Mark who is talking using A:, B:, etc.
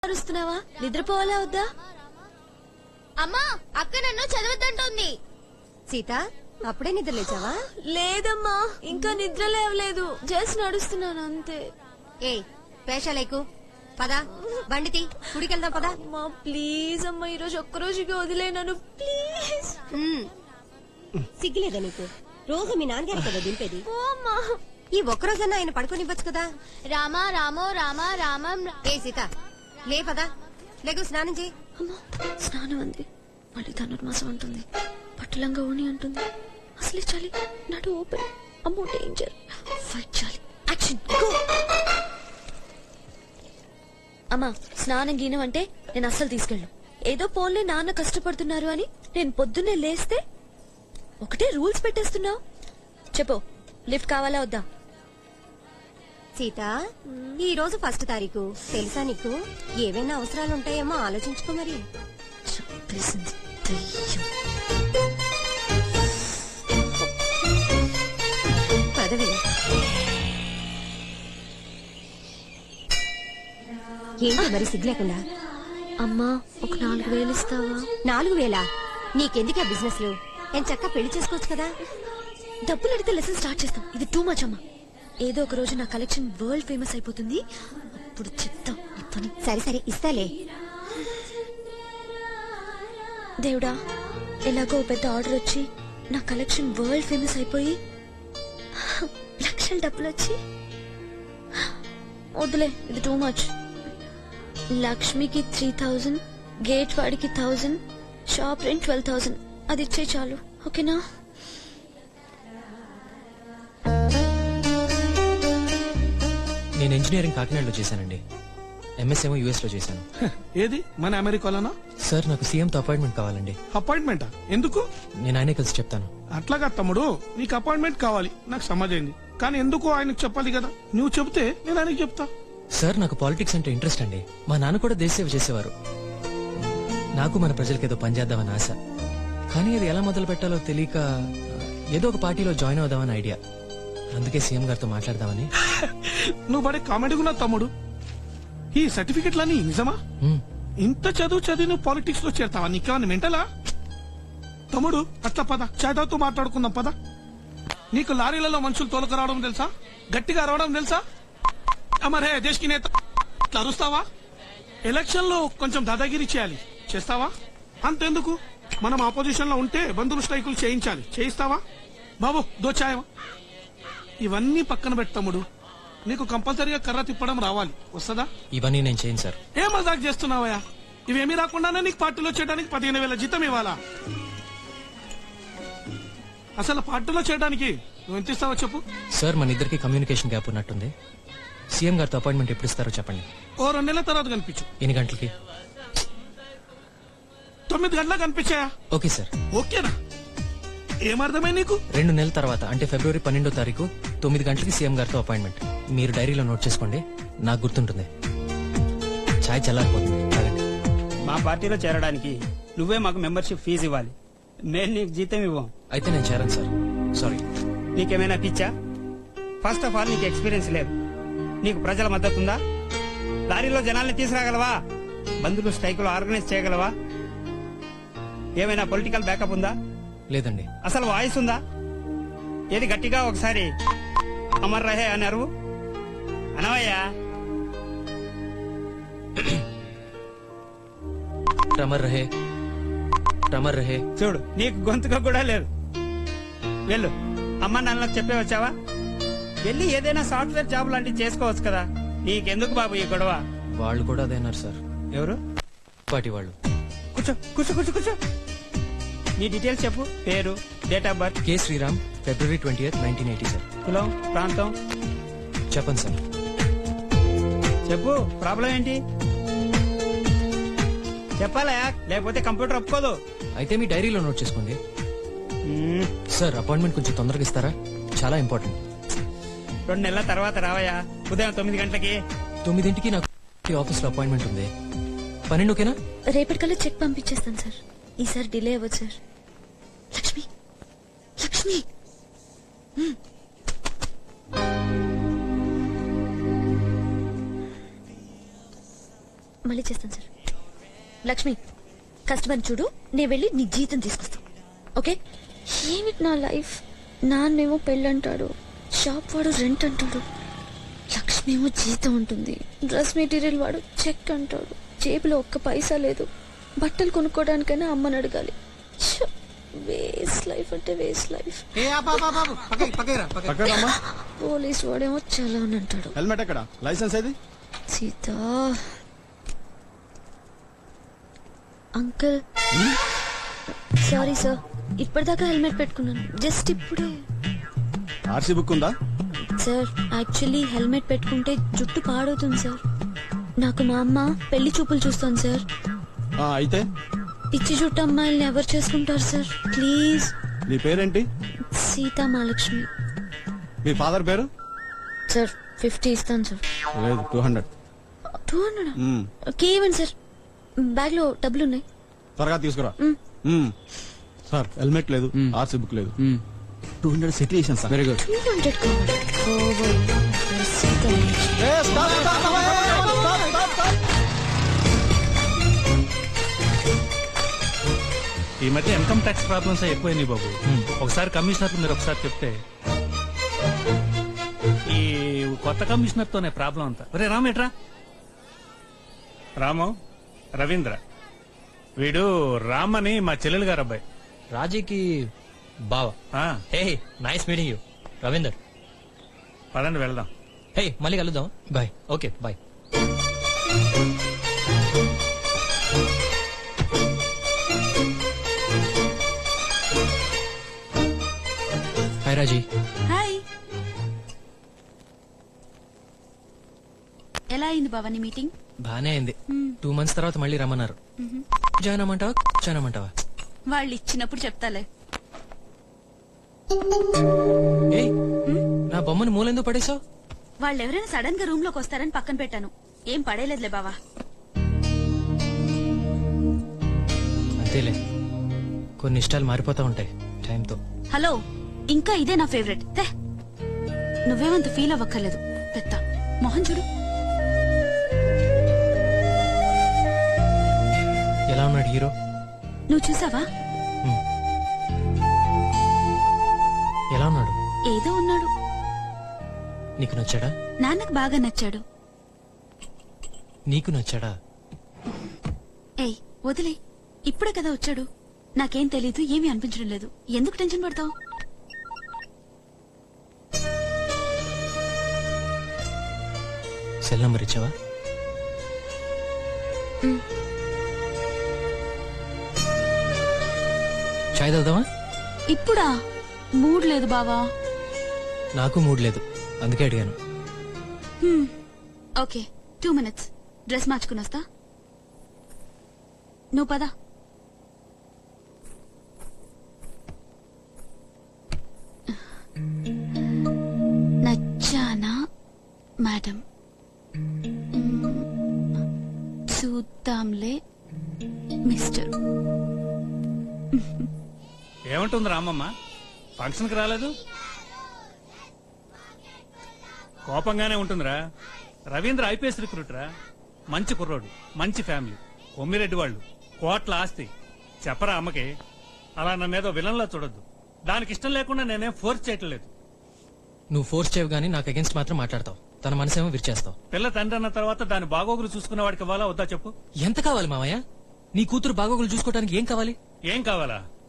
A: అరుస్తున్నావా? నిద్రపోవాలా వద్దా?
B: అమ్మా, అక్క నన్ను చదవద్దంటోంది.
C: సీత, అప్పుడే నిద్ర లేచావా?
A: లేదమ్మా, ఇంకా నిద్ర లేవలేదు. జస్ట్ నడుస్తున్నాను అంతే.
C: ఏ పేషాలేకు పదా, బండితి గుడికెళ్దాం పదా.
A: అమ్మా ప్లీజ్ అమ్మా, ఈరోజు ఒక్కరోజుకి వదిలే నన్ను ప్లీజ్.
C: సిగ్గులేదా నీకు? రోజు మీ నాన్నగారు కదా దింపేది.
A: అమ్మా
C: ఈ ఒక్కరోజన్నా ఆయన పడుకోనివ్వచ్చు కదా.
B: రామా రామో రామా రామం.
C: ఏ సీత, లే పదా, లేకు స్నానం చేయి.
A: అమ్మా స్నానం అంది, మళ్ళీ ధనుర్మాసం అంటుంది, పట్టులంగా ఊని అంటుంది. అసలే చాలి నడు ఓపెన్. అమ్మో డేంజర్, ఫైట్ చాలి. Action go. అమ్మా స్నానం గీనం అంటే నేను అస్సలు తీసుకెళ్ళను. ఏదో పోన్లే నాన్న కష్టపడుతున్నారు అని నేను పొద్దున్నే లేస్తే ఒకటే రూల్స్ పెట్టేస్తున్నావు. చెప్పు, లిఫ్ట్ కావాలా వద్దా?
C: సీత, ఈ రోజు 1 తారీఖు తెలుసా నీకు? ఏవైనా అవసరాలు ఉంటాయేమో ఆలోచించుకో మరి.
A: చంపేసింది దెయ్యం.
C: పదవి ఏంటి మరి సిగ్గు లేకుండా?
A: అమ్మా ఒక 4,000 ఇస్తావా?
C: 4,000? నీకెందుకే బిజినెస్ లు? నేను చక్క పెళ్లి చేసుకోవచ్చు కదా.
A: డబ్బులు అడిగితే లెసన్ స్టార్ట్ చేస్తాం. ఇది టూ మచ్ అమ్మా. ఏదో ఒక రోజు నా కలెక్షన్ వరల్డ్ ఫేమస్ అయిపోతుంది, అప్పుడు చెప్తాం ఈ పని.
C: సరే సరే ఇస్తాలే.
A: దేవుడా, ఎలాగో పెద్ద ఆర్డర్ వచ్చి నా కలెక్షన్ వరల్డ్ ఫేమస్ అయిపోయి లక్షల డబ్బులు వచ్చి, వద్దులే ఇది టూ మచ్. లక్ష్మికి 3,000, గేట్ వాడికి 1,000, షాప్ రెంట్ 12,000. అది ఇచ్చే చాలు, ఓకేనా?
D: నేను ఇంజనీరింగ్ కాకినాడలో చేశానండి. ఎంఎస్ ఏమో యుఎస్ లో చేశాను.
E: ఏది మన అమెరికాలోనా?
D: సార్ నాకు సీఎంతో అపాయింట్మెంట్ కావాలండి.
E: అపాయింట్మెంటా? ఎందుకు?
D: నేను ఆయనే కలిసి చెప్తాను.
E: అట్లాగా తమ్ముడు, నీకు అపాయింట్మెంట్ కావాలి నాకు సమాజైంది, కానీ ఎందుకు ఆయనకు చెప్పాలి కదా. నువ్వు చెప్తే నేను ఆయనకి చెప్తా.
D: సార్ నాకు పాలిటిక్స్ అంటే ఇంట్రెస్ట్ అండి. మా నాన్న కూడా దేశ సేవ చేసేవారు. నాకు మన ప్రజలకి ఏదో పనిచేద్దామని ఆశ, కానీ అది ఎలా మొదలు పెట్టాలో తెలియక ఏదో ఒక పార్టీలో జాయిన్ అవుదామని ఐడియా. అందుకే సీఎం గారితో మాట్లాడదామని.
E: నువ్వు పడే కామెడీ కూడా తమ్ముడు. ఈ సర్టిఫికెట్లన్నీ నిజమా? ఇంత చదివి నువ్వు పాలిటిక్స్ లో చేరతావా? నీకేమన్నా మెంటలా? తమ్ముడు అట్లా పద, చేతతో మాట్లాడుకుందాం పద. నీకు లారీలలో మనుషులు తోలుకు రావడం తెలుసా? గట్టిగా రావడం తెలుసా? అమరే దేశ్ కి నేత ఇట్లా అరుస్తావా? ఎలక్షన్ లో కొంచెం దాదాగిరి చేయాలి, చేస్తావా? అంతెందుకు, మనం ఆపోజిషన్ లో ఉంటే బంధువులు స్ట్రైకులు చేయించాలి, చేయిస్తావా? బాబు దోచాయవా? ఇవన్నీ పక్కన పెట్టు తమ్ముడు, నీకు కంపల్సరీగా కర్ర తిప్పడం రావాలి. వస్తుందా?
D: ఇవన్నీ నేను చేయను సార్.
E: ఏ మజాక్ చేస్తున్నావయ్యా? ఇవేమీ రాకుండానే నీకు పార్టీలో చేయడానికి 15,000 జీతం ఇవ్వాలా? అసలు పార్టీలో చేయడానికి నువ్వు ఎంత ఇస్తావో చెప్పు.
D: సార్ మన ఇద్దరికి కమ్యూనికేషన్ గ్యాప్ ఉన్నట్టుంది. సీఎం గారితో అపాయింట్మెంట్ ఎప్పుడు ఇస్తారో చెప్పండి.
E: ఓ 2 నెలల తర్వాత కనిపించు.
D: ఎన్ని గంటలకి?
E: 9 గంటలకు కనిపించాయా?
D: Okay sir.
E: ఓకేనా? ఏమర్థమై నీకు?
D: 2 నెలల తర్వాత అంటే ఫిబ్రవరి 12వ తారీఖు 9 గంటలకి సీఎం గారితో అపాయింట్మెంట్. మీరు డైరీలో నోట్ చేసుకోండి, నాకు గుర్తుంటుంది. ఛాయ్ చల్లారిపోతుంది, తాగండి.
F: మా పార్టీలో చేరడానికి నువ్వే మాకు మెంబర్షిప్ ఫీజు ఇవ్వాలి. నేను నీకు జీతం ఇవ్వం.
D: అయితే నేను చేరాను సార్, సారీ.
F: నీకేమైనా పిచ్చా? ఫస్ట్ ఆఫ్ ఆల్ నీకు ఎక్స్పీరియన్స్ లేదు. నీకు ప్రజల మద్దతు ఉందా? లారీలో జనాల్ని తీసుకురాగలవా? బంధువులు స్ట్రైకులు ఆర్గనైజ్ చేయగలవా? ఏమైనా పొలిటికల్ బ్యాకప్ ఉందా?
D: లేదండి.
F: అసలు వాయిస్ ఉందా? ఏది గట్టిగా ఒకసారి అమర్ రహే అని అరువు అనవయ్యా.
D: రమర్ రహే, రమర్ రహే.
F: చూడు, నీకు గొంతుగా కూడా లేదు. వెళ్ళు, అమ్మ నాన్నలకు చెప్పే వచ్చావా? వెళ్ళి ఏదైనా సాఫ్ట్వేర్ జాబ్ లాంటివి చేసుకోవచ్చు కదా. నీకెందుకు బాబు ఈ గొడవ?
D: వాళ్ళు కూడా అదే అన్నారు సార్.
F: ఎవరు?
D: పార్టీ వాళ్ళు.
F: కూర్చో కూర్చో కూర్చో కూర్చో. నీ డీటెయిల్స్ చెప్పు. పేరు, date of birth.
D: K Sriram, ఫిబ్రవరి 20th, 1980 సార్.
F: కులం, ప్రాంతం
D: చెప్పండి సార్.
F: చెప్పు. ప్రాబ్లం ఏంటి చెప్పాలా? లేకపోతే కంప్యూటర్ ఒప్పుకోదు.
D: అయితే మీ డైరీలో నోట్ చేసుకోండి. సార్ అపాయింట్మెంట్ కొంచెం తొందరగా ఇస్తారా? చాలా ఇంపార్టెంట్.
F: 2 నెలల తర్వాత రావయ్యా. ఉదయం 9 గంటలకి.
D: 9ంటికి నాకు ఆఫీస్ లో అపాయింట్మెంట్ ఉంది. 12 ఓకేనా?
A: రేపటికల్లా చెక్ పంపించేస్తాను సార్. ఈసారి డిలే అవ్వదు సార్. లక్ష్మి, లక్ష్మి. మళ్ళీ చేస్తాను సార్. లక్ష్మి, కస్టమర్ చూడు, నేను వెళ్ళి నీ జీతం తీసుకొస్తాను. ఓకే? ఏమిటి నా లైఫ్? నాన్నేమో పెళ్ళంటాడు, షాప్ వాడు రెంట్ అంటాడు, లక్ష్మి ఏమో జీతం ఉంటుంది, డ్రెస్ మెటీరియల్ వాడు చెక్ అంటాడు, జేబులో ఒక్క పైసా లేదు, బట్టలు కొనుక్కోవడానికైనా అమ్మని అడగాలి. వేస్ట్ లైఫ్ అంటే వేస్ట్ లైఫ్. పోలీస్ వాడేమో చలాన్ అంటాడు.
G: హెల్మెట్ ఎక్కడ? లైసెన్స్ ఏది?
A: సీత అంకుల్, సారీ సార్, ఇప్పటిదాకా హెల్మెట్ పెట్టుకున్నాను, జస్ట్ ఇప్పుడే.
G: ఆర్సీ బుక్ ఉందా?
A: సార్ యాక్చువల్లీ హెల్మెట్ పెట్టుకుంటే జుట్టు పాడవుతుంది సార్. నాకు మా అమ్మ పెళ్లి చూపులు చూస్తాను సార్.
G: అయితే
A: పిచ్చి జుట్టు అమ్మాయిల్ని ఎవరు చేసుకుంటారు సార్? ప్లీజ్.
G: నీ పేరేంటి?
A: సీతా మహాలక్ష్మి.
G: మీ ఫాదర్ పేరు?
A: సార్ 50 ఇస్తాను సార్.
G: లేదు, 200.
A: 200? ఓకే ఇవ్వండి సార్, బ్యాగ్ లో డబ్బులు ఉన్నాయి.
G: త్వరగా తీసుకురా. సార్ హెల్మెట్ లేదు, ఆర్సీ బుక్ లేదు. 200 సెటిల్ చేశాను సార్. Very good.
A: 200 కావాలి. సీతా మహాలక్ష్మి.
H: ఈ మధ్య ఇన్కమ్ ట్యాక్స్ ప్రాబ్లమ్స్ ఎక్కువైనాయి బాబు. ఒకసారి కమిషనర్ మీరు ఒకసారి చెప్తే. ఈ కొత్త కమిషనర్ తోనే ప్రాబ్లం అంతా. ఒరే రామ్, ఎట్రా? రాము, రవీంద్ర, వీడు రామ్ అని మా చెల్లెలు గారు అబ్బాయి.
D: రాజీకి బావా? హే, నైస్ మీటింగ్ యూ రవీందర్.
H: పదండి వెళ్దాం.
D: హే, మళ్ళీ కలుద్దాం. Bye. Okay bye. Hi Raji.
I: Hi. ఎలా అయింది బావా నీ మీటింగ్?
D: బానే అయింది. 2 months తర్వాత మళ్ళీ రమ్మన్నారు. జాయిన్ అమ్మంటావా, జాయిన్ అమ్మంటావా?
I: వాళ్ళు ఇచ్చినప్పుడు చెప్తాలే.
D: ఏయ్, నా బొమ్మను మూలెందుకు పడేసావు?
I: వాళ్ళు ఎవరైనా సడన్ గా రూమ్ లోకి వస్తారని పక్కన పెట్టాను. ఏం పడేలేదులే బావా.
D: అంతేలే, కొన్ని ఇష్టాలు మారిపోతా ఉంటాయి టైంతో.
I: హలో, ఇంకా ఇదే నా ఫేవరెట్. నువ్వేమంత ఫీల్ అవ్వక్కర్లేదు. పెద్ద మొహం చూడు.
D: ఎలా ఉన్నాడు హీరో?
I: నువ్వు చూసావా?
D: ఎలా ఉన్నాడు?
I: ఏదో ఉన్నాడు.
D: నీకు నచ్చాడా?
I: నాన్నకు బాగా నచ్చాడు.
D: నీకు నచ్చాడా?
I: ఏయ్ వదిలే, ఇప్పుడే కదా వచ్చాడు. నాకేం తెలీదు, ఏమీ అనిపించడం లేదు. ఎందుకు టెన్షన్ పడతావు?
D: సెల్ నంబర్ ఇచ్చావా? చాయ్ తాగుదామా?
I: ఇప్పుడా? మూడ్ లేదు బావా.
D: నాకు మూడ్ లేదు, అందుకే అడిగాను.
I: Okay, 2 minutes. డ్రెస్ మార్చుకుని వస్తా. నువ్వు పదా. నచ్చానా మేడం? చూద్దాంలే మిస్టర్.
H: ఏమంటుంది రామమ్మ? ఫంక్షన్కి రాలేదు? కోపంగానే ఉంటుందిరా. రవీంద్ర ఐపీఎస్ రిక్రూటరా, మంచి కుర్రోడు, మంచి ఫ్యామిలీ, కొమ్మిరెడ్డి వాళ్ళు, కోట్ల ఆస్తి. చెప్పరా అమ్మకి? అలా నన్నేదో విలన్లా చూడొద్దు. దానికి ఇష్టం లేకుండా నేనేం ఫోర్స్ చేయట్లేదు.
D: నువ్వు ఫోర్స్ చేయవు గానీ నాకు అగేన్స్ట్ మాత్రం మాట్లాడతావు. తన మనసేమో విరిచేస్తావు.
H: పిల్ల తండ్రి అన్న తర్వాత దాని బాగోగులు చూసుకునే వాడికి ఇవ్వాలా వద్దా చెప్పు?
D: ఎంత కావాలి మామయ్య? నీ కూతురు బాగోగులు చూసుకోవడానికి ఏం కావాలి?
H: ఏం కావాలా?